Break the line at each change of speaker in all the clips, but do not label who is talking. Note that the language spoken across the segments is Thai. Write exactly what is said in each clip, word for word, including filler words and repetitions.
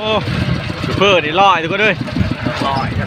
อ้ซูเปอร์นี่ลอยทุกคนเลย
ลอยก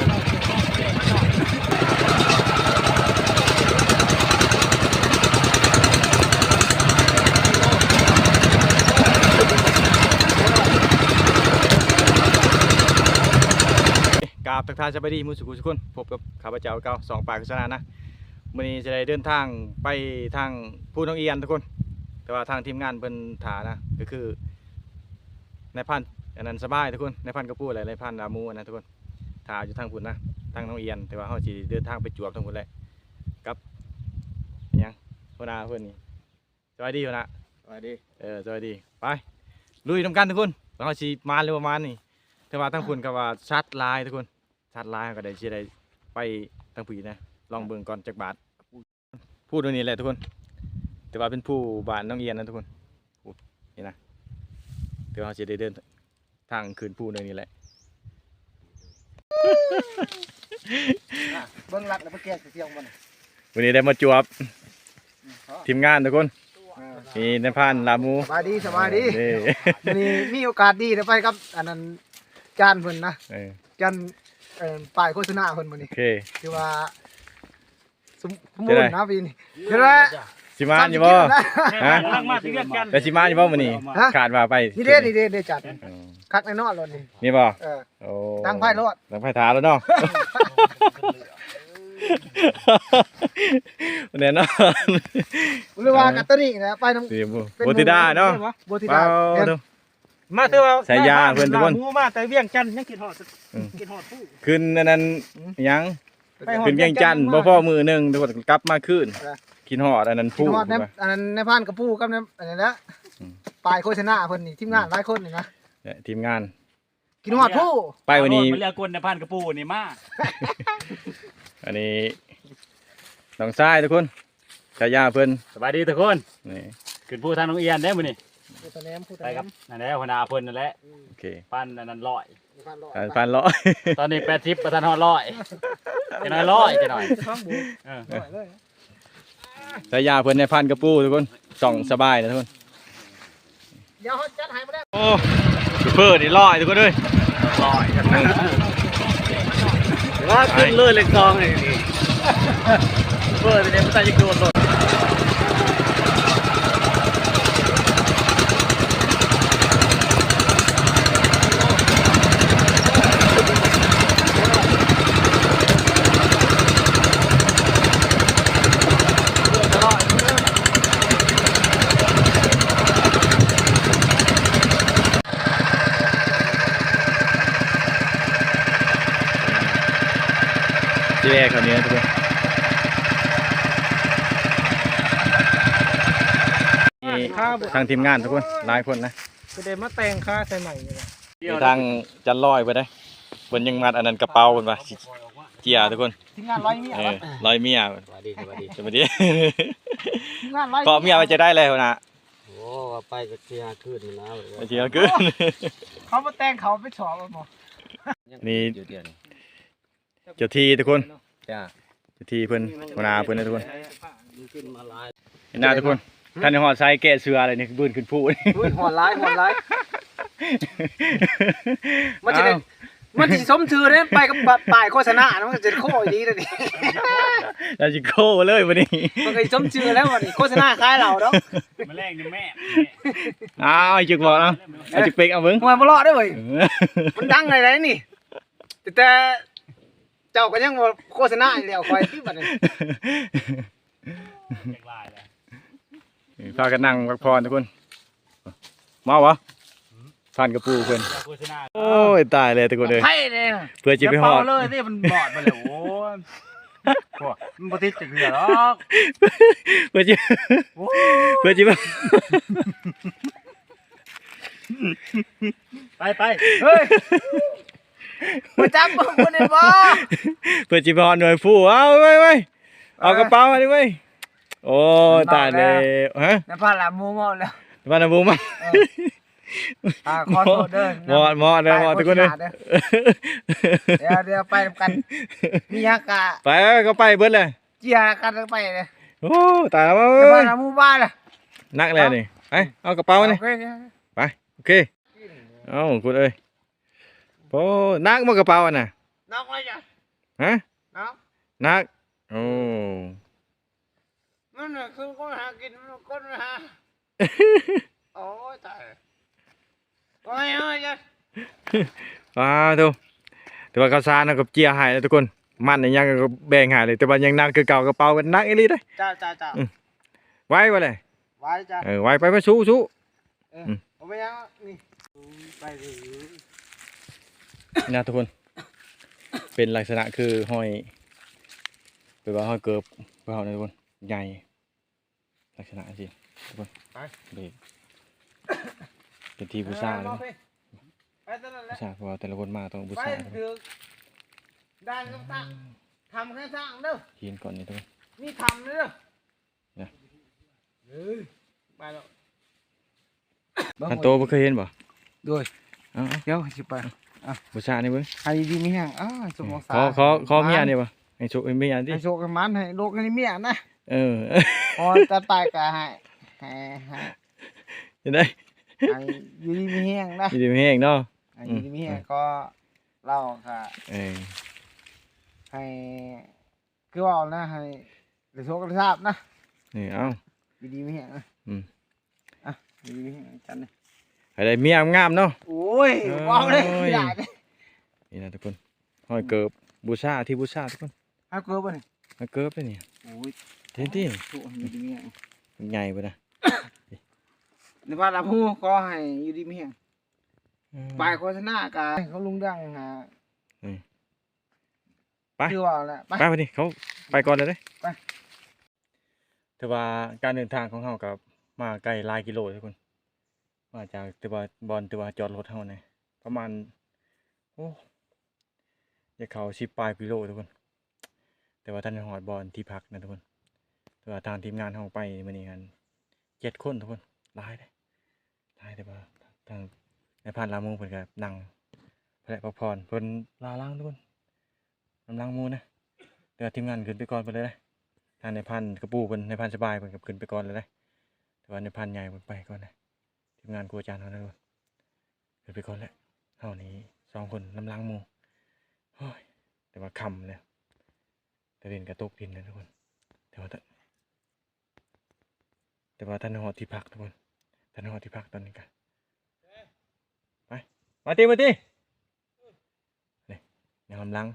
ราบทักทายสบายดีมุสุกุสุกุนพบกับข้าพเจ้าเก่าสองปากโฆษณานะวันนี้จะได้เดินทางไปทางผู้น้องเอียนทุกคนแต่ว่าทางทีมงานเพิ่นถานะก็คือในพันอันนั้นสบายทุกคนในพันกระปูอะไรในพันรามูนะทุกคนถาอยู่ทางพุ่นนะทางน้องเอียนแต่ว่าเขาจะเดินทางไปจวบทางพุ่นเลยกับยังหัวหน้าเพื่อนนี่สวัสดีหัวหน้า
สวัสดี
เออสวัสดีไปลุยทำกันทุกคนเขาชีมาเร็วประมาณนี้แต่ว่าทางพุ่นก็ว่าชัดลายทุกคนชัดลายก็ได้ชีได้ไปทางผีนะลองเบิ่งก่อนจากบาทพูดตรงนี้แหละทุกคนแต่ว่าเป็นผู้บ้านน้องเอียนนะทุกคนนี่นะเดี๋ยวเราจะได้เดินทางคืนผู้ตรงนี้แหละ
เบิ้งรักแล้วเมื่อกี้เสียงมัน
วันนี้ได้มาจวบทีมงานทุกคนมีในพันลามู
สบายดีสบายดีวันนี้มีโอกาสดีได้ไปครับอันนั้นจานเพิ่นนะจานป้ายโฆษณาเพิ่นมื้อนี้คือว่าสมมุตินะพี่นี่เห็นไหม
สิมาอยู่บ่ฮะแต่สิมาอยู่บ่มื้อนี้ขาดว่าไป
นี่เด้นี่เด้เด้จัดคักแน่นอนรถนี่
นี่บ่
เออโอ้ตั้งไพ่รถ
ตั้งไพ่ถาแล้วเนาะแน่นอน
หรือว่ากัตตอรี่นะไปน้
ำโบติดาเนาะ
โบติดา
มาเถอะว่า
สายยาเพื่อนทุกคน
มาแต่เวียงจันทร์ยังกินหอดกินหอดผู้
ขึ้นอันนั้นยังขึ้นเวียงจันทร์บ่พอมือหนึ่งทุกคนกลับมาขึ้นกินหอดอันนั้นผู้
อันนั้นในพานกับผู้กับในอันนั้นละปลายโฆษณาเพิ่นนี่ทีมงานหลายคนนี่นะ
ทีมงาน
กินหอดผู้
ไปวันนี้
มันเรียกกวนในพานกับผู้นี่มา
อันนี้น้องชายทุกคนชายาเพื่อน
สบายดีทุกคนนี่ขึ้นผู้ทางน้องเอียนได้มื้อนี่ไปครับนั่นแหละหัวหน้าเพิ่นนั่นแหละ
โอเค
พันนั่นร้อย
พันร้อย
ตอนนี้แปดสิบประธานฮอดร้อยจะน้อยร้อยจะหน่อย
ชายาเพื่อนในพันกระปูทุกคนส่องสบายนะทุกคน
เดี๋ยวจัดให้มาได้
โอ้ซูเปอร์นี่ลอยทุกคนเลย
ลอยว่าขึ้นเลยเล็กกองเลยนี่ซูเปอร์เนี่ยมันจะยิงโดนรถ
ที่แรกคนนี้ทุกคนทางทีมงานทุกคนหลายคนนะ
จะได้มาแต่งค่าใส่ใหม่เลย
ทางจันลอยไปได้บนยังมัดอันนั้นกระเป๋าคนไปเจียทุกคน
ทีมงานร้อยเมีย
ร้อยเมีย
สวัสดีสวัสดี
สวัสดีก็เมียไปจะได้เลยนะ
โอ้ไปก็เจียขึ้นนะ
เจียขึ้น
เขามาแต่งเขาไปสอบหมอ
นี่เจ้าที่ทุกคนเจ้าที่เพื่อนหัวหน้าเพื่อนนะทุกคนเห็นหน้าทุกคนท่านหอดไซแกะเสืออะไรนี่บืนขึ้นผู้
หอดร้ายหอดร้ายมันจะมันจะสมชื่อเนี่ยไปกับป้ายโฆษณามันจะโค้ดีเลยดิ
เราจะโค้เลยวันนี้
มันก็สมชื่อแล้ววันนี้โฆษณาคล้ายเราเนาะ
มาแรงนี่แม่
อ้าวไอ้จุกบอกเนาะไอ้จุกเป็กเอาเบิ้ง
มาบลอดด้วยมันดังอะไรนี่แต่เจ้าก็ยังโฆษณาอยู่แล้วคอยที่บัดนี้
พากันนั่งพักผ่อนทุกคนมาวะผ่านกระปูเพื่อนโอ้ยตายเลยทุกคนเลยเพื่อจีไปหอด
เลยนี่มันบอดมาเลยโอ้มันปฏิจจ์เหือหรอก
เพื่อจีเพื่อจีไป
ไปไป
เฮ้ยมาจับมึงคนนี้บ่
เพื่อจีบอลหน่วยฟูเอาไว้ไว้เอากระเป๋ามาดิไว้โอ้ตายเลยฮะ
น้ำปลาหลามมูมอดแล้ว
น้ำปลาหลามมูมา
อ่าคอนโทรเดิน
มอดมอดเลยมอดทุกคนเลย
เดี๋ยวเดี๋ยวไปกันมีฮักกะ
ไปก็ไปเบิดเลย
เจียกันไปเลย
โอ้ตายแล้วน้
ำปลาหลามมูบ้านเลย
นักเลยนี่ไปเอากระเป๋ามานี่ไปโอเคเอ้าคุณเอ้ยโอ้นักบ่กระเป๋าอ่ะน่ะ
นักไว้จ้ะ
ฮะ
นัก
นักโอ้
มันน่ะคือคนหากินมันคนหาโอ้ยตายโอ้ยโอ้ยจ้ะ
ว้าวทุกแต่ว่าข้าวสารน่ะกับเจียหายแล้วทุกคนมันนี่ยังก็แบ่งหายเลยแต่ว่ายังนักคือเก่ากระเป๋ากันนักอีหลีเด้อ
จ้าจ้าจ้า
ไว้บ่เลย
ไว้จ้ะ
เออไว้ไปไปสู้สู้
เออเอาไปยังนี่ไปเลย
นะทุกคน เป็นลักษณะคือห้อยเป็นว่าห้อยเกิบเพื่อเอานะทุกคนใหญ่ลักษณะสิทุกคนเบรกเป็นทีบูชาเลยนะ
ไปตลอดแห
บู
ละ
ชาเพราะว่าแต่ละคนมาต้องบู
ไป
ชาทุกคน
ถือด้านข้างทำแค่สร้างเด้อ
เฮียนก่อนนี่ทุกคน
นี่ทำเด้อเฮ้ยไปแล้ว
อันโตบ่เคยเห็นบ่
ด้วย
เอ้า
เดี๋ยวสิไป
ๆบูชานี่เบิ่ง
ให้ดีมีแห้งอ้าสมอง
ขอขอขอเมียนี่บ่ให้โชคให้เมียดิ
ให้โชคกันมันให้โลกให้เมียนะ
เออ
พอจะตายก็ให้ให้ให้
จะได้
ให้อยู่ดีมีแห้งนะ
ยินดีแห้งเนาะ
ให้อยู่ดีมีแห้งก็เล่าค่ะ
เออ
ให้คือว่านะให้ได้โชคได้ทราบนะ
นี่เอ้า
อยู่ดีมีแห้งนะ
อืม
อ่ะอยู่ดีมีแห้งจันเลย
ให้ได้เมียงามๆเนาะ
โอ้ยว้าวเลยไม่ได้เลย
นี่นะทุกคนห้อยเกิบบูชาที่บูชาทุกคน
เอาเกลือป่ะนี่
ห้อยเกิบเลยนี่
โอ้ย
เท่ที่
ถูกอยู่ดีมีแห้ง
ใหญ่ไปนะ
ในบ้านเราผู้ก็ให้อยู่ดีมีแห้ง
อืม
ปลายโฆษณากายเขาลุงดังหา
ไป
คือว่าแหละไป
ไปไปดิเขาไปก่อนเลยเด้
ไป
แต่ว่าการเดินทางของเขากับมาไกลหลายกิโลทุกคนมาจากแต่ว่าบอลแต่ว่าจอดรถเท่าเนี่ยประมาณโอ้จะเขาสิบปลายกิโลทุกคน แต่ว่าท่านหอดบอลที่พักนะทุกคน แต่ว่าทางทีมงานเขาไปมื่อนี้กันเจ็ดคนทุกคนหลายเลยหลายแต่ว่าทางในพันลามูเพิ่นก็นั่งพระพักผ่อนเพิ่นลาล้างทุกคนกำลังมูนะแต่ว่าทีมงานขึ้นไปก่อนไปเลยนะทางในพันกระปูเพิ่นในพันสบายเพิ่นก็ขึ้นไปก่อนเลยนะแต่ว่าในพันใหญ่เพิ่นไปก่อนนะทีมงานครูอาจารย์เขานะทุกคนขึ้นไปก่อนแล้วเท่านี้สองคนลำลังมูโอ้ยแต่ว่าคำเลยแต่เล่นกระตกดินนะทุกคนแต่ว่าแต่ว่าท่านหอที่พักทุกคนท่านหอที่พักตอนนี้กันไปมาตีมาตีนี่ในลำลัง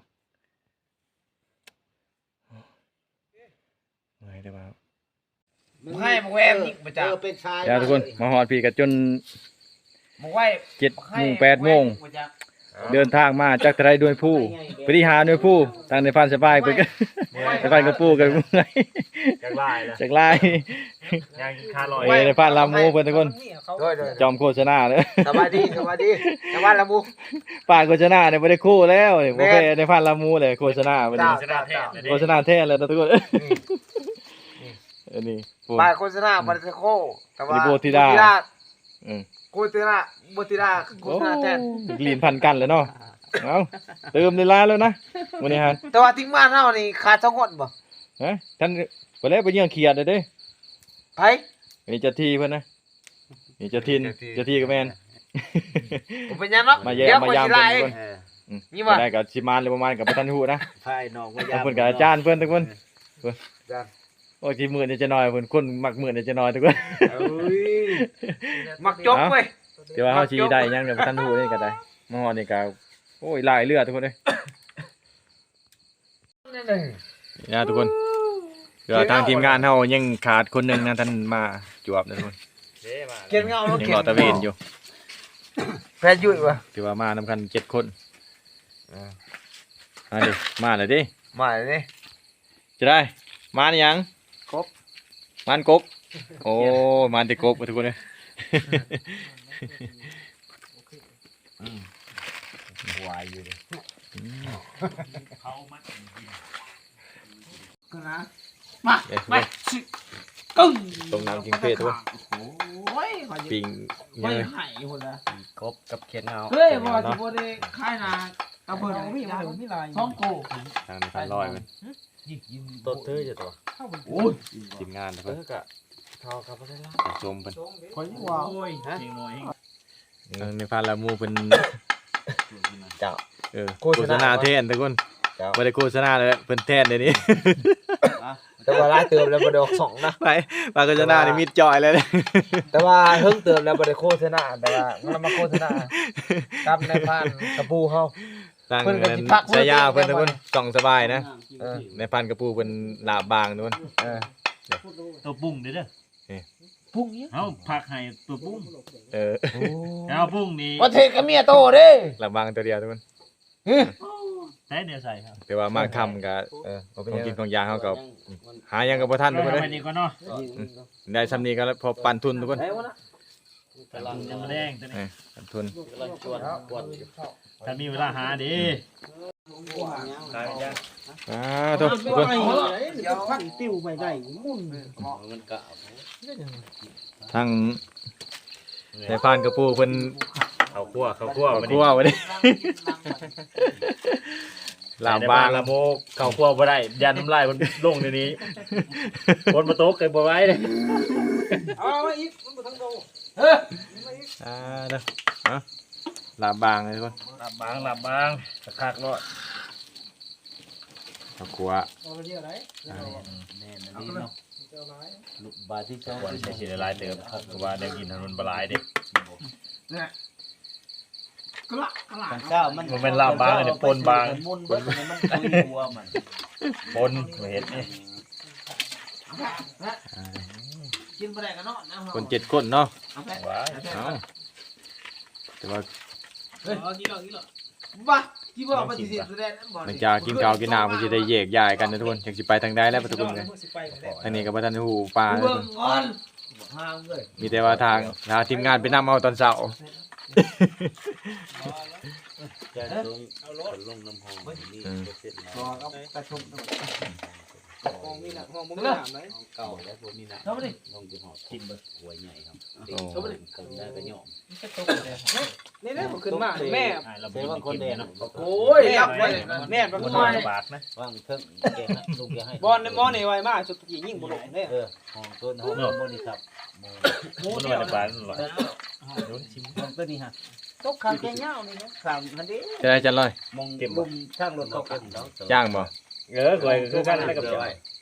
เมื่อยแต่ว่า
มึงให้มึงแวมนี่ประจักษ์เป็นชาย
เดี๋ยวทุกคนมาหอดพี่กันจน
มึงไหว
เจ็ดโมงแปดโมงเดินทางมาจากไทยด้วยผู้ไปที่หาด้วยผู้ทางในพันสบายไปกันในพันกระปูกันเมื่อย
จากลายนะ
จากไล่
ยังคาลอย
เอ้ยในพันลามูเพื่อนทุกคน
ด้วยด้วย
จอมโฆษณาเลย
สบายดีสบายดีชาวบ้านละมู
ป่าโฆษณาเนี่ยไม่ได้คู่แล้วเนี่ยโอเคในพันลามูเลยโฆษณาวันนี้
ชนะแท้เลย
โฆษณาแท้เลยนะทุกคนอันนี้ปู
ปลายโฆษณาบัตรโคแต่ว่า
นี่โบธิดา อืม
โบธิดาโบธิดาโฆษณาแทน
ลีนพันกันเลยเนาะเอาเติมในร้านแล้วนะวันนี้ฮะ
แต่ว่าทิ้งบ้านเฮานี่ขาดสองคนบ่
ฮะท่านไปแล้วไปเยี่ยงเขียดเลยเด้
ไผ
อันนี้เจะทีเพื่อนนะนี่เจะทินเจะทีกับแมน
ผมเป็นยังเนาะ
มาแย่
เดี๋ยว
มา
คน
ยาม
สิ
เพื่
ไล่
อนทุกคน อืม
นี่ว่ะ
ได้กับชิมานหรือประมาณกับประธานหูนะ
ไพ่นอกว่า
เอาเพื่อนกับอาจารย์เพื่อนทุกคน
จ้ะ
โอ้ยทีหมื่นเนี่ยจะน้อยเพื่อนคนมักหมื่นเนี่ยจะน้อยทุกคน
เอ้ยมักจบเว้ย
เดี๋ยวว่าเขาชี้ได้ยังเดี๋ยวประธานหูนี่ก็ได้มาหอนี่ก็โอ้ยหลายเลือดทุกคนเลยนี่นะทุกคนเดี๋ยวทางทีมงานเขายังขาดคนหนึ่งนะท่านมาจวบนะทุกคน
เขียนเงาแล้ว
ยัง
เขีย
ร
น
อตะเวนอยู่
แพทย์ยุ่ยวะ
ถือว่ามานำกันเจ็ดคนมาดิมาเลยดิ
มาเลยนี่
จะได้มานี่ยัง
ครบ
มันกบโอ้มันแต่กบทุกคนเลย
วายอยู่เลย
ก็นะมา
เดี๋ยว
ไปสิกึ้ง
ตรงน้ำกิงเพศทุกคน
โอ้ยขอ
ปิง
ไม่
เนี่ย
หายคนละ
กบกับเขียนเงา
เฮ้ยบ่สิบ่ได้ค่ายนากระเบิดมีมามีลายท้องโก
ทางในพันลอยมันต้นเธอจะตัว
โอ้ย
ทีมงานทุก
เอ
คน
อกะทอกับอะไรล่ะ
ชมเป็น
คนว่า
ฮะ
ทางในพานละมูเป็น
เจ้า
เออโฆษณาแทนทุกคน
เจ้า
บ่ได้โฆษณาเลยเพิ่นแทนเดี๋ยวนี้
แต่ว่าร้ายเติมแล้วบ่ได้ออกสองนะ
ไปปากโฆษณานี่มิดจอยเลยนะ
แต่ว่าเพิ่งเติมแล้วบ่ได้โฆษณาแต่ว่ามันมาโฆษณากับในพานกระปูเฮา
ตั้ง
เพิ่นก็สิพัก
ฉายาเพิ่นทุกคน
เพิ่น
ส่องสบายนะ
เออ
ในพันกระปูเป็นลาบบางทุกคน
เออ
ตัวปุ้งเด้อเด้อ
พุ่งนี้
เอ้าผักให้ตัวปุ้ง
เออ
เอาปุ้งนี่
ว่าเทกับเมียโตเด้
ลาบบางตัวเดียวทุกคน
ใส่เดี๋ยวใส่ครับ
แต่ว่ามากคำกับ
เออบ่เป็น
ของ
หยัง
กินของยาเขาก็หายังกับพ่ทันทุกคนเลย
ไปนี่ก่อนเนาะ
ได้ซ้ำนี้ก็แล้วพอปันทุนทุกคน
ได้วะนะ
แต่ลำยังแดงตัวนี้
ปันทุน
ถ้ามีเวลาหาดิ
อ่าทุกทุกคน
เดี๋ยวพักติ้วไปได้มุ่น
ทั้งในพันกระปูเป็น
เขาคั่วเขาคั่ว
คั่วไว้ดิลาบบาง
ละโมกเขาคั่วบ่ได้ยันน้ำลายมันลงในนี้คนมาโต๊ะเคยบ่ไว้เลย
เอามาอีกมันบ่ทั้งโต
อ่าเด้อเอาลาบบางเลยทุกคน
หลับบางหลับบางคักๆเนาะ
ข้าวคั่ว
เอาไปเดียวไหน
แน่นอนนี่เนาะลูกบาที่เจ้าใช้สิได้หลายเติมเพราะว่าได้กินถนนบ่หลายเด้
กระกระ
ของเจ้ามัน
มันเป็นลาบบางอันนี้ปนบาง
มุนเบิดมันคุยหัวมัน
ปนบ่เห็นนี่
กินไปได้กันเนาะนะ
คนเจ็ดคนเนาะ
ว้าย
เอาแต่ว่า
เอากินหรอกกินหรอกบ้าที่บอกมาสิสิแสดงนั่นบ่
หลังจากกินข้าวกินน้ำก็จะได้แยกย้ายกันนะทุกคนอยากสิไปทางใดแล้วทุกคนเลยทางนี้ก็บ่ทันหูปลาทุก
เบิ่
ค
ง
น
ก่อน
ห้ามเลย
มีแต่ว่าทางหาทีมงานไปนำเอาตอนเช้า
จะลงคนลงน้ำหอมนี่เสร็จแล้ว
รอเอากระชมห้องนี่น่ะห้องมึงน้ำไหน
เก่าแล้วพวกนี้นะ
เข้ามาดิ
ลงจะหอบกินเบิดหัวใหญ่ครับ
โอ้
เข้ามาดิเกิดได้ก็ย่อม
นี่แหละผมขึ้นมาแม่
อ่าเรา
เสียบางคนเด่น
เนาะ
โอ้ยรับไว้แม่เป็น
บ่
ผู้
ต้อ
น้อย
งบาทนะ
ว่างเพิ่งเก่งนะลูกยังให้
บอลในมอนี่ไวมากสุดที่ยิ่งบุรุษเนี่ย
เออห้องต้นห้องบริษัท
บ่น้อยบาทหรอกโดนชิม
ห้องต้นนี่ฮะ
ตกขาแกงเงานี่นะ
สามพันดิ
จะได้จันลอย
มองลุมช่างรถเขากัน
จ้างบ่
เออก่อยคือกันได้กับเจ้า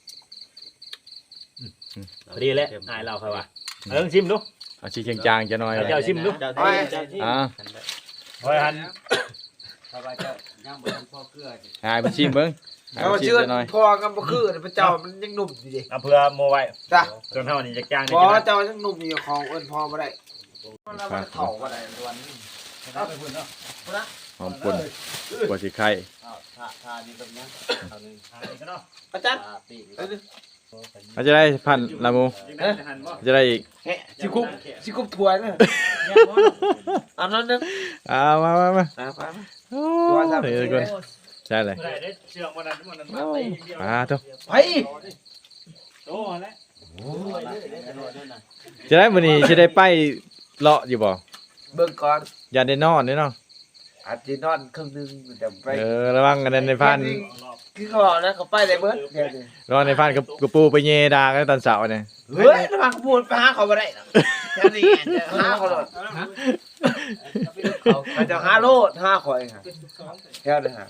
พอดีแล้วอายเราครับว่าเออชิมดู
เอาชีเชียงจางจะหน่อย
เอาเจ้าชิมดู
อ่า
โอ้ยหัน
สบายเจ้าย่างบนพ่อเกลือ
หายไปชิมเบิ่งหาย
เอา
ไปชิม
เชื่อ
จะหน่อย
พอกันบ่คือพระเจ้ามันยังหนุ่มอยู่ดิ
เอาเพื่อโมไว้
จ้ะ
จนเท่านี้จะจ้างได้
พอ
กิน
เจ้ายังหนุ่มอยู่ของเอิ้นพอบ่ได้มันเฒ่าบ่ได้วันนี้
เอาไปพุ่นเนาะ
หอมปุ่นกว่าสิไข่
ทาทานี่แบบนี้ทานี่
หาอีกเนาะ
อาจารย์
ทาปีก
มันจะได้พันละมู
เอ๊ะหันบ่
จะได้อีก
แหะสิคุบสิคุบถ้วยนะอันนั้นนึง
อ่ามามามา
อ่าไป
โอ้ยทุกคนใช่เลย
ได้ได้เชื่อมันนั้นมันนั้นมาไปเดียว
มาทุก
ไป
โอ้แล้ว
จะได้มื้อนี้สิได้ไปเลาะอยู่บ่
เบิ่งก่อน
อย่าได้นอนเด้อเนาะ
อาจจะนอนครึ่งนึงแต่ไป
เออระวังกันในพัน
คือเขาบอกนะเขาไปได้เบิดเดี๋ยวนี้
ระวังในพันกับกระปูไปเยดากันตอนเช้าเนี่ย
เฮ้ยระวังขบวนไปหาเขาบ่ได้นะแค่นี้หาเขาโลดเขาจะหาโลดหาข่อยค่ะแค่นั้นฮะ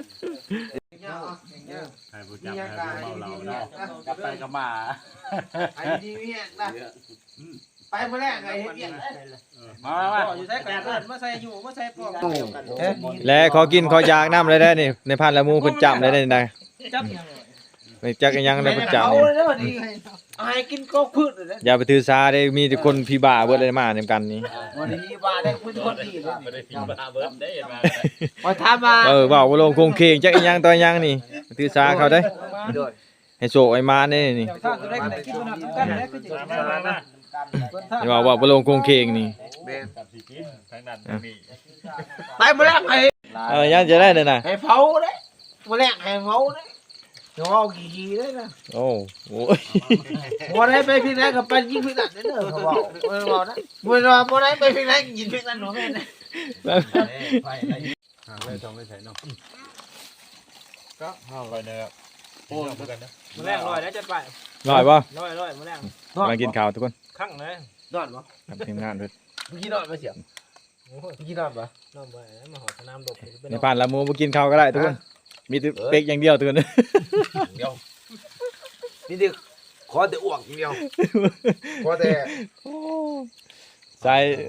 ให้ผู้จับให้ผู้เมาเราเนาะ
กลับไปก็มา
ไอ้ดีเวียนนะไปเมื่อแรกไงเฮ็ดเวียน
มามา
อยู่ใส่กระดาษมาใส่อยู่มาใส่ปอก
และขอกินขอยากน้ำเลยได้นี่ในพันละมูเพิ่นจำเลยได้นี่ได้
จับ
ไม่จักอีหยังได้เพิ่นจำ
เอา
นี่
เลยนะดีเอาให้กินก็พืชเลยนะ
อย่าไปถือสาได้มีแต่คนพี่บ้าเบิดเลยมานํกันนี่
วันนี้ว่าได้คุณคนดีเลย
ไม่ได้พิมพ์มาเบิ้มได้มา
มาถามมา
เออเว้าบ่ลงคงเคงจักอีหยังต่ออีหยังนี่ถือสาเขาได้ให้โชคให้มานี่นี่
ถ้าจะได้กินกันกันแล้วก็จะ
มามามา
อย่าว่าว่าบ่ลงคงเคงนี่
กับสิกินทางนั้นมี
ไปเมื่อแรกให้
เออยังจะได้เลยนะ
ให้เผาเลยเมื่อแรกให้เผาเลยเดี๋ยวเอากี่ๆเลยนะ
โอ้โห
วันไหนไปพิงไหนก็ไปยิงพิงนั่นเด้อเขาบอกเมื่อวานนะเมื่อวานวันไหนไปพิงไหนยิงพิงนั่นหนูแม่นะ
ไปอะไรหาไม่ต้องไม่ใส่เนาะ
ก็ห้าวไปเนอะโอ้ยกันนะ
เมื่อแรกลอยแล้วจะไป
ลอยป่ะ
ลอยลอยเมื่อแรก
มากินข้าวทุกคน
ข้างเลยนอนบ่
กับทีมงานด้วย
เมื่อกี้นอนมาเสียง
กินน้ำปะ
น้ำไปมาหอสนามดบ
ในผ่านละหมูบ่กินข้าวก็ได้ทุกคนมีแต่เป็กอย่างเดียวทุกคน
เดียวนี่ดิขอแต่อ้วกอย่างเดียวขอแต่
ใส่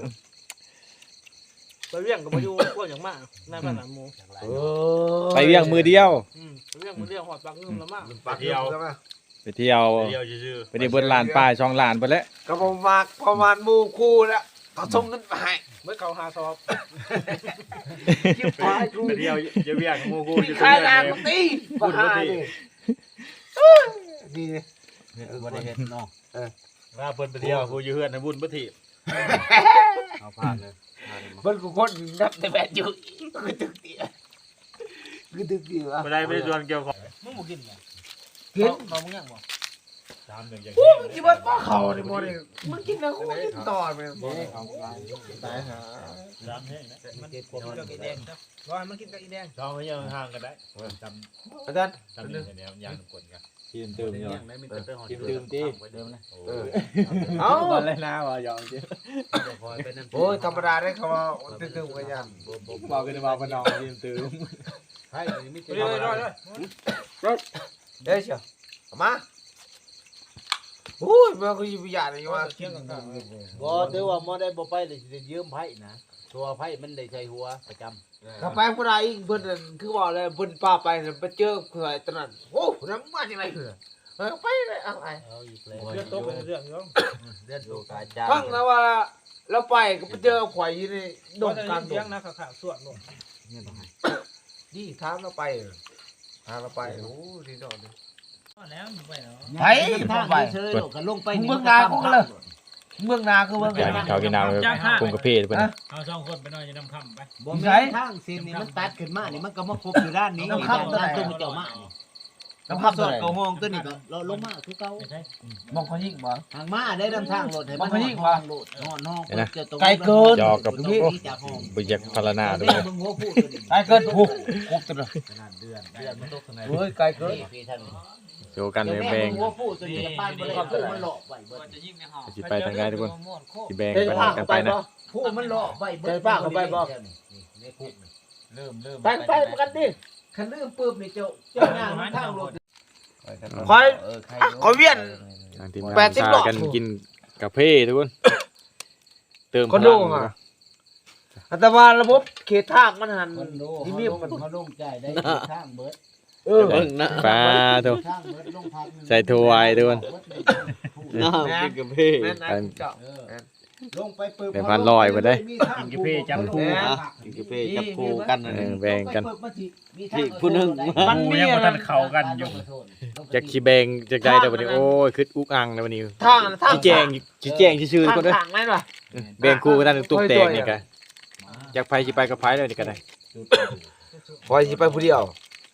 ไปเวียงกับมาอยู่พวกอย่างมากในบ้านหลังหมู
ไปเวียงมือเดียว
อืมไปเวียงมาเรียกหอดปากเงิมละมาก
ปากเดียวใช่ไหม
ไปเที่ยว
เดียวซื่อ
ไปในเบิดลานป้ายช่องลานไปแล้ว
ก็ประมาณประมาณหมู่คู่แล้วเขาส่งเงินไปให้
เมื่อเขาหาซอบ
คิดไปกู
ๆเดียวจะเวียงโมกูอยู่
ขายนานมาตีมาหาดิดี
บ่ได้เฮ็ดเนาะเออว่าเพิ่นไปเที่ยวกูอยู่เฮือนในบุญบ่ถีบเอาผ่านเลย
มันกูคนนับแต่แบบอยู่กูตึกเตี้ยกูตึกเตี้ย
บ่ได้ไปชวนเกี่ยวของ
มึงบ่กินบ่
กิน
เขามึงยังบ่
ตามหนึ่งอย่าง
กูมึงกินว่าป้าเขาเนี่ยบ่ได้มึงกินนะกูกินต่อไปบ่ตายหา
ตามแห้งนะ
มันกินกับอีแดงครับรอให้มันกินกับอีแดง
ช่องให้ยังห่างกันได้จำ
อาจารย์
จำนี่แนวอย่างกวนกัน
ทีมตื่มอยู่
ทีมตื่มตี
เออเอ้า
ตอนแรกนะว่ายอมจริง
โอ้ยธรรมดาได้เขาว่าตึกๆกันยัน
บอกกันว่าบ่น้องทีมตื่ม
เรื่อยๆเรื่อย
เด้เชียวมาโอ้ยมันก็ยิบยาเลยว่า
ๆเที่ยงกัน
บ่ถือว่าบ่ได้บ่ไปเลยสิได้ยืมไผนะตัวไผมันได้ใช้หัวประจำ
ถ้าไปผู้ใดอีกเพิ่นนั่นคือว่าอะไรเพิ่นป้าไปนั่นไปเจอใครตอนนั้นโอ้น้ำมาจังได๋เออไปเลยเอาไป
เอาอีกแล้ว
เรื่องโตเป็นเรื่องเนาะ
เดือนตัวกาจา
ฟังนะว่าเราไปก็ไปเจอข่อยอยู่ในด
โด
ง
น
กลางด
เลี้ยง
ง
นะข่าวๆส่วนลง
ดีถามเราไปถามเราไปโอ้ดีดอก
แล้วอยู่ไปเนาะ
ไป
ทาง
ไป
เฉยๆโลกก็ลงไป
เมืองนาของเลยเมืองนาคือเมือง
อยากกินข้าวกินน้ำปรุงกาแฟเพิ่น
เอาสองคนไปนอนอยู่น้ำค่ำไป
บ่แม่นทางเส้นนี่มันตัดขึ้นมานี่มันก็มาครบอยู่ด้านนี้นี่ด้านตัวมันเจ้ามานี่
น้ำพับ
ส
ตั
อ
ว
ด
ไหน
เข้าห้องตัวนี้ก็ลงมาคือเก่า
ใช่
มองเขายิ่งบ่
ทางมาได้นำทางรถให้มัน
มันยิ่ง
ห้
วะ
องรถนอนห้องจะตรง
ไกลเกิน
จอกับ
ตรง
โอ้
นี้จากห้อง
บ่อยากพารณา
ต
ด้
ร
ว
ง
ย
นี้มึงหัวพูดตัวนี้
ไกลเกินผูกผูกตัวเลย
ขนาดเดือนเดือนมันตกข้างใน
เฮ้ยไกลเกิน
พี่ท่าน
โชว์กันเลยแบ่ง
หัวพูดตัวนี้กับป้านบ่ได้พูดมันหลอกไว้เบิด
สิไปทางใดทุกคนสิแบ่งไปกันไปนะ
พูดมันหลอกไว้เบิด
ใจป้าเข้าไปบ่
ในคุกนี่เริ่มเริ่ม
ไปไปกันดิ
คันเริ่มปุ๊บนี่เจ้าเจ้าหน้ามันทางรถ
คอย
เออใคร
คอยเวียน
ทางทีมงาน
แปดสิบ
พา
หลอด
กันกินกาแฟทุกคน เติม
คนดูอ่ะ อัตมาระบบเขตทางมันหัน
คนดู
ที่
เขา
มี
ลง
มัน
เขาลงใจได้ทางเบิด
เออ
ปลาทุก
ทางเบิดลงพักหนึ่ง
ใส่ถ้วยทุกคน
น้ำกินกาแฟแม่นายเจ้า
เออลงไปปึ๊บ
เป็นพันลอยไปได้
มีทาง
กินกาแฟจับคู่
กินกาแฟจับคู่กัน
เออแบ่งกัน
ผู้นึง
มันมียังบ่ทันเข้ากันอยู่
จากสิแบ่งจากใดแต่วันนี้โอ้ยคืออุกอังในวันนี้
ทางทาง
ชี้แจงชี้แจงชื่อๆทุกคนเด้อ
ทางนั่นว่ะ
แบ่งคู่กันตุกแตกนี่กันจากไผสิไปกับไผเลยนี่ก็ได้
คอยสิไปผู้เดียว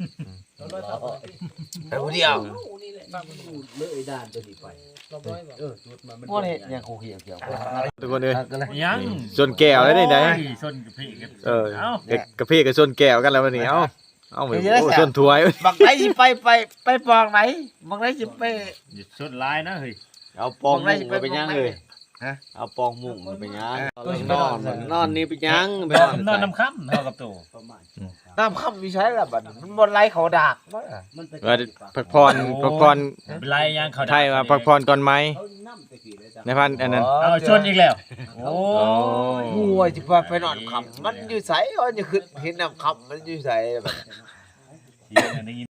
ไปผู้เดียว
เลยด้านตัวนี้ไป
เออพวกนี้ยังคู่เขียวเขียว
ทุกคนเอ้ย
ยัง
ส่วนแก้วแล้วนี่ได้
ชนกับพี่กัน
เออเด็กกาแฟกับส่วนแก้วกันแล้ววันนี้เอ้าเอ้าโอ้ส่วนถ้วย
บักไหนสิไปไปไปปองไหนบักไหนสิไป
ชนลายนะเฮ้ย
เอาปองมุ้งไปยังเลยเอาปองมุ้งไปยังนอนนอนนี่ไปยังไป
นอนน้ำค่ำเท่ากับตัว
น้ำค่ำมีใช้ละบัดมันบนไหลเขาดากมั้ง
ว่าพักพรพักพร
เป็นไรยังเขา
ไทยมาพักพรก่อนไหมในพันอันนั้น
เอาชนอีกแล้วโอ้
งูจะไปไปนอนค่ำมันอยู่ใสอ๋อจะขึ้นเห็นน้ำค่ำมันอยู่ใสแบบ
ยได้ยิน